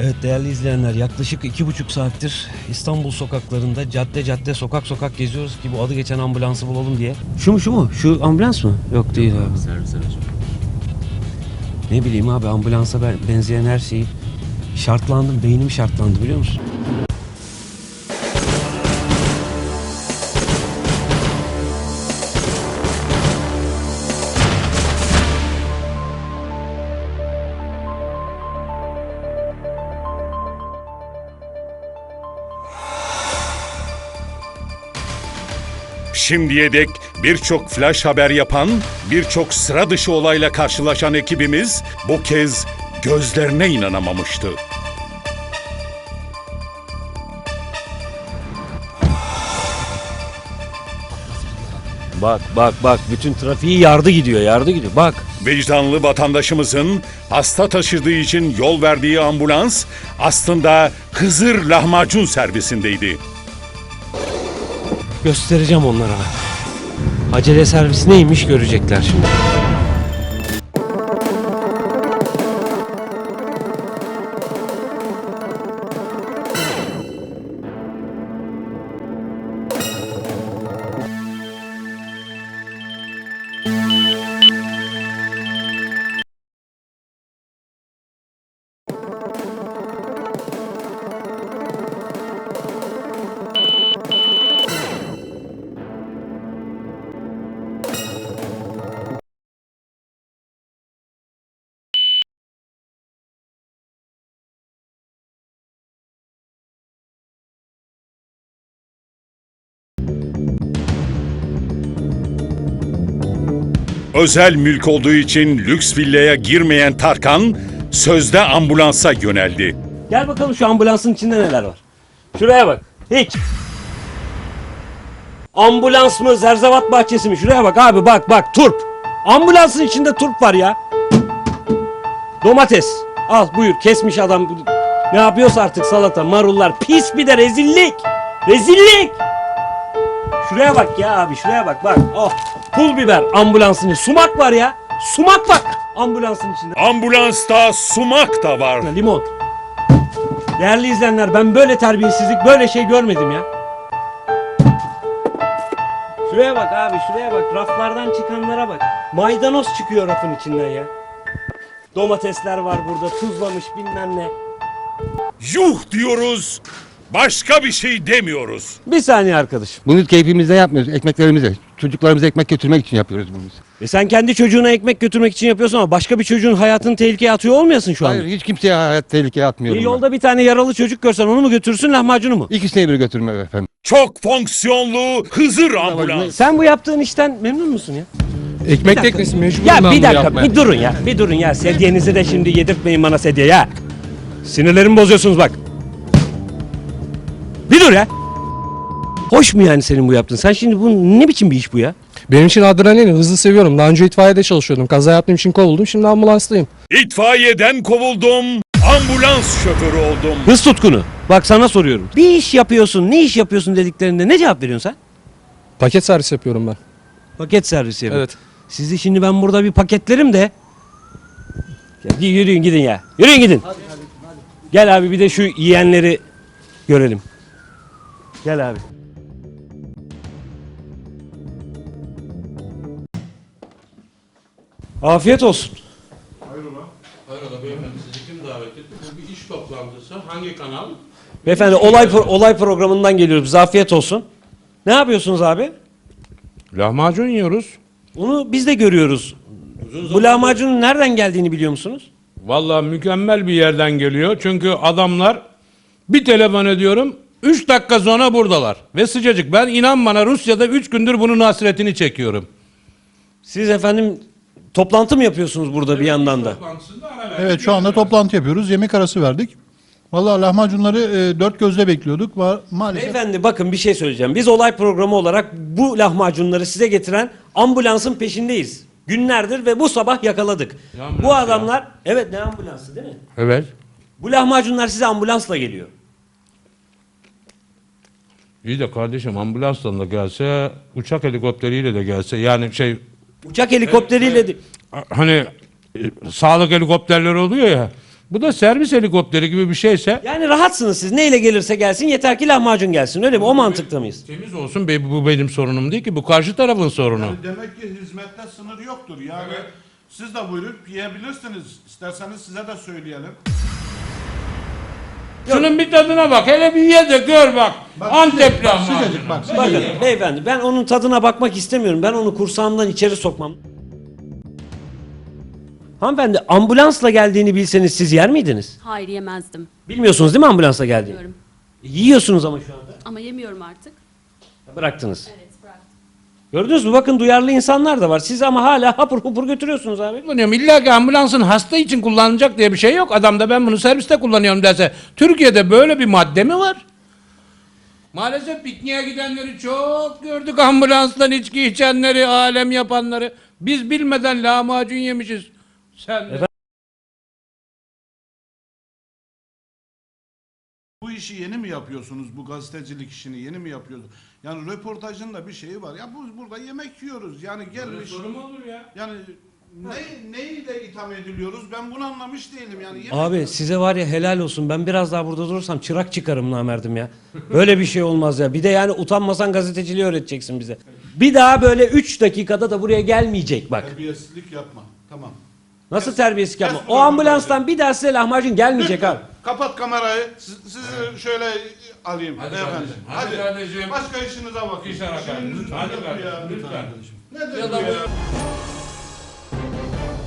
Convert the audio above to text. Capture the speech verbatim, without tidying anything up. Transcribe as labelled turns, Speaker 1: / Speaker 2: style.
Speaker 1: Evet değerli izleyenler, yaklaşık iki buçuk saattir İstanbul sokaklarında cadde cadde sokak sokak geziyoruz ki bu adı geçen ambulansı bulalım diye. Şu mu şu mu? Şu ambulans mı? Yok değil abi.
Speaker 2: Servis aracı.
Speaker 1: Ne bileyim abi, ambulansa ben benzeyen her şeyi şartlandım, beynim şartlandı biliyor musun?
Speaker 3: Şimdiye dek birçok flash haber yapan, birçok sıra dışı olayla karşılaşan ekibimiz bu kez gözlerine inanamamıştı.
Speaker 1: Bak bak bak, bütün trafiği yardı gidiyor, yardı gidiyor bak.
Speaker 3: Vicdanlı vatandaşımızın hasta taşıdığı için yol verdiği ambulans aslında Hızır lahmacun servisindeydi.
Speaker 1: Göstereceğim onlara ben. Acele servis neymiş görecekler şimdi.
Speaker 3: Özel mülk olduğu için lüks villaya girmeyen Tarkan sözde ambulansa yöneldi.
Speaker 1: Gel bakalım şu ambulansın içinde neler var. Şuraya bak. Hiç. Ambulans mı, zerzevat bahçesi mi? Şuraya bak abi, bak bak, turp. Ambulansın içinde turp var ya. Domates. Al buyur, kesmiş adam. Ne yapıyorsa artık, salata, marullar. Pis, bir de rezillik. Rezillik. Şuraya bak ya abi, şuraya bak bak. Oh, pul biber ambulansın içinde. Sumak var ya. Sumak bak ambulansın içinde.
Speaker 3: Ambulansta sumak da var.
Speaker 1: Limon. Değerli izleyenler, ben böyle terbiyesizlik, böyle şey görmedim ya. Şuraya bak abi, şuraya bak. Raflardan çıkanlara bak. Maydanoz çıkıyor rafın içinden ya. Domatesler var burada, tuzlamış bilmem ne.
Speaker 3: Yuh diyoruz, başka bir şey demiyoruz.
Speaker 1: Bir saniye arkadaşım.
Speaker 4: Bunu keyfimizde yapmıyoruz, ekmeklerimize. Çocuklarımıza ekmek götürmek için yapıyoruz bunu.
Speaker 1: E sen kendi çocuğuna ekmek götürmek için yapıyorsun ama başka bir çocuğun hayatını tehlikeye atıyor olmayasın şu anda.
Speaker 4: Hayır, hiç kimseye hayat tehlikeye atmıyorum.
Speaker 1: Bir
Speaker 4: ben.
Speaker 1: yolda bir tane yaralı çocuk görsen onu mu götürürsün, lahmacunu mu?
Speaker 4: İkisine bir götürme efendim.
Speaker 3: Çok fonksiyonlu Hızır ambulans.
Speaker 1: Sen bu yaptığın işten memnun musun ya?
Speaker 5: Ekmek teknesi mecburum
Speaker 1: Ya
Speaker 5: ben
Speaker 1: bir
Speaker 5: bunu
Speaker 1: dakika,
Speaker 5: yapmaya.
Speaker 1: bir durun ya. Bir durun ya. Sedyenizi de şimdi yedirtmeyin bana sedye ya. Sinirlerimi bozuyorsunuz bak. Bir dur ya. Hoş mu yani senin bu yaptığın? Sen şimdi bu ne biçim bir iş bu ya?
Speaker 5: Benim için adrenalin, hızlı seviyorum. Daha önce itfaiyede çalışıyordum. Kaza yaptığım için kovuldum. Şimdi ambulanstayım.
Speaker 3: İtfaiyeden kovuldum, ambulans şoförü oldum.
Speaker 1: Hız tutkunu. Bak sana soruyorum. Bir iş yapıyorsun, ne iş yapıyorsun dediklerinde ne cevap veriyorsun sen?
Speaker 5: Paket servis yapıyorum ben.
Speaker 1: Paket servisi yapıyorum.
Speaker 5: Evet.
Speaker 1: Sizi şimdi ben burada bir paketlerim de. Ya, yürüyün gidin ya. Yürüyün gidin. Hadi, hadi, hadi. Gel abi bir de şu yiyenleri görelim. Gel abi. Afiyet olsun.
Speaker 6: Hayrola beyefendi, sizi kim davet etti? Bu bir iş toplantısı. Hangi kanal?
Speaker 1: Beyefendi olay pro- olay programından geliyoruz. Bize afiyet olsun. Ne yapıyorsunuz abi?
Speaker 6: Lahmacun yiyoruz.
Speaker 1: Onu biz de görüyoruz. Bu lahmacunun nereden geldiğini biliyor musunuz?
Speaker 6: Vallahi mükemmel bir yerden geliyor. Çünkü adamlar bir telefon ediyorum, üç dakika sonra buradalar. Ve sıcacık. Ben inan bana Rusya'da üç gündür bunun hasretini çekiyorum.
Speaker 1: Siz efendim toplantı mı yapıyorsunuz burada bir yandan da?
Speaker 7: Evet, şu anda toplantı yapıyoruz. Yemek arası verdik. Vallahi lahmacunları e, dört gözle bekliyorduk. Va- Maalesef
Speaker 1: Beyefendi bakın bir şey söyleyeceğim. Biz olay programı olarak bu lahmacunları size getiren ambulansın peşindeyiz. Günlerdir ve bu sabah yakaladık.
Speaker 6: Ne ambulansı
Speaker 1: Bu adamlar, evet ne ambulansı değil mi?
Speaker 6: Evet.
Speaker 1: Bu lahmacunlar size ambulansla geliyor.
Speaker 6: İyi de kardeşim ambulansla da gelse, uçak helikopteriyle de gelse, yani şey
Speaker 1: Uçak helikopteriyle de...
Speaker 6: hani e, sağlık helikopterleri oluyor ya, Bu da servis helikopteri gibi bir şeyse
Speaker 1: Yani rahatsınız siz. Neyle gelirse gelsin yeter ki lahmacun gelsin. Öyle mi? O mantıkta mıyız?
Speaker 6: temiz olsun. be- Bu benim sorunum değil ki. Bu karşı tarafın sorunu.
Speaker 2: Yani demek ki hizmette sınır yoktur. Yani siz de buyurup yiyebilirsiniz. İsterseniz size de söyleyelim.
Speaker 6: Şunun bir tadına bak. Hele bir ye de gör bak. Antep lahmacunu.
Speaker 7: Sıcacık bak.
Speaker 1: Bakın beyefendi ben onun tadına bakmak istemiyorum. Ben onu kursağımdan içeri sokmam. Hanımefendi ambulansla geldiğini bilseniz siz yer miydiniz?
Speaker 8: Hayır yemezdim.
Speaker 1: Bilmiyorsunuz değil mi ambulansla geldiğini?
Speaker 8: Diyorum.
Speaker 1: Yiyorsunuz ama şu anda.
Speaker 8: Ama yemiyorum artık.
Speaker 1: Bıraktınız.
Speaker 8: Evet bıraktım.
Speaker 1: Gördünüz mü? Bakın duyarlı insanlar da var. Siz ama hala hapur hapur götürüyorsunuz abi.
Speaker 6: Kullanıyorum. İlla ki ambulansın hasta için kullanılacak diye bir şey yok. Adam da ben bunu serviste kullanıyorum derse. Türkiye'de böyle bir madde mi var? Maalesef pikniğe gidenleri çok gördük. Ambulanstan içki içenleri, alem yapanları. Biz bilmeden lahmacun yemişiz. Sen de.
Speaker 2: Bu işi yeni mi yapıyorsunuz? Bu gazetecilik işini yeni mi yapıyorsunuz? Yani röportajın da bir şeyi var. Ya bu burada yemek yiyoruz. Yani gelmiş.
Speaker 6: Soru mu olur ya?
Speaker 2: Yani ne, neyle itham ediliyoruz? Ben bunu anlamış değilim. Yani yemek
Speaker 1: Abi size var ya helal olsun. Ben biraz daha burada durursam çırak çıkarım namerdim ya. Böyle bir şey olmaz ya. Bir de yani utanmasan gazeteciliği öğreteceksin bize. Bir daha böyle üç dakikada da buraya gelmeyecek bak.
Speaker 2: terbiyesizlik yapma. Tamam.
Speaker 1: Nasıl terbiyesizlik yapma?
Speaker 2: kes
Speaker 1: O ambulanstan bir daha size lahmacun gelmeyecek abi.
Speaker 2: Kapat kamerayı. Siz, sizi şöyle alayım.
Speaker 6: Hadi
Speaker 2: beyefendi.
Speaker 6: kardeşim, hadi kardeşim.
Speaker 2: Başka işinize bakın.
Speaker 6: İşe bakın.
Speaker 2: İşiniz
Speaker 6: Hadi
Speaker 2: lütfen
Speaker 6: kardeşim,
Speaker 2: ya.
Speaker 6: lütfen.
Speaker 2: Nedir
Speaker 6: Ya
Speaker 2: bu
Speaker 6: da
Speaker 2: ya?
Speaker 6: bu-